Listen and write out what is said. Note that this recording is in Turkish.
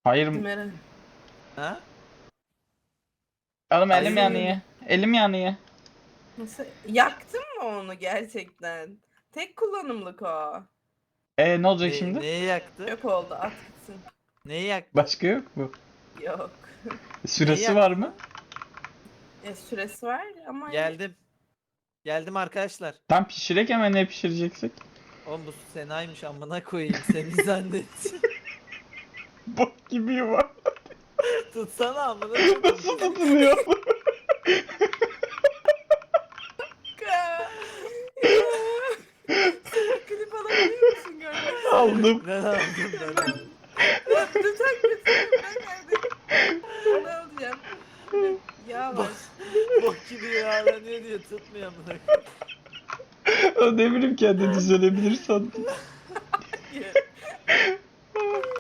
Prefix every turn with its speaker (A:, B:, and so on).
A: Hayır.
B: Meral.
C: Ha?
A: Oğlum elim
C: Hayır.
A: yanıyor. Elim yanıyor.
B: Nasıl? Yaktın mı onu gerçekten? Tek kullanımlık o.
A: Ne olacak şimdi?
C: Neyi yaktı?
B: Çok oldu, at gitsin.
C: Neyi yaktı?
A: Başka yok mu?
B: Yok.
C: Neyi
A: Süresi var
C: yaktı
A: mı?
C: lan?
B: Süresi var ama
C: Geldim. Geldim arkadaşlar.
A: Tam pişirek hemen ne pişireceksek?
C: Oğlum bu Sena'ymış amına koyayım seni zannet.
A: Bok gibi yuva.
C: Tutsana amına koyayım.
A: Nasıl tutuluyor?
B: Ya. Sen klip alabiliyor musun görmek
A: Aldım.
C: Ben aldım ben aldım.
B: Lütfen götürün kardeşim. Onu alacağım. Yağ var.
C: Bok gibi yağlanıyor diye tutmuyor amına koyayım.
A: Ne bileyim kendi düzelebilir sandım.